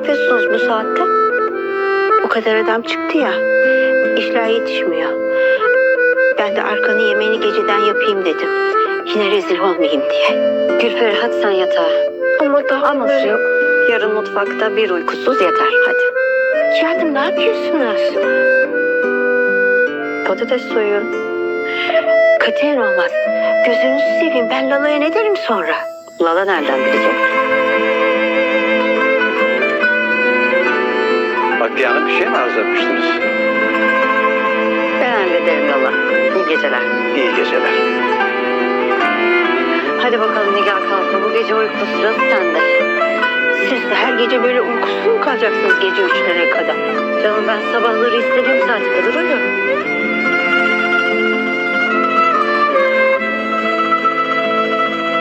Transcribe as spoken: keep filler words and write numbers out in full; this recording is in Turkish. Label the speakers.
Speaker 1: yapıyorsunuz bu saatte? O kadar adam çıktı ya. İşler yetişmiyor. Ben de arkanın yemeğini geceden yapayım dedim. Yine rezil olmayayım diye.
Speaker 2: Gülperi hadi sen yatağa.
Speaker 1: Ama daha
Speaker 2: Aması
Speaker 1: böyle-
Speaker 2: yok. Yarın mutfakta bir uykusuz yeter. Hadi.
Speaker 1: Canım ne yapıyorsunuz?
Speaker 2: Patates soyun.
Speaker 1: Katiyen olmaz. Gözünüzü seveyim. Ben Lala'ya ne derim sonra?
Speaker 2: Lala nereden bilecek?
Speaker 3: Vaktiye Hanım bir şey mi arzulatmıştınız?
Speaker 2: Ben hallederim Lala. İyi geceler.
Speaker 3: İyi geceler.
Speaker 2: Hadi bakalım Nigar kalkma. Bu gece uyku sırası sende.
Speaker 1: Siz de her gece böyle uykusuz mu kalacaksınız gece üçlere kadar?
Speaker 2: Canım ben sabahları istediğim saate kadar uyuyorum.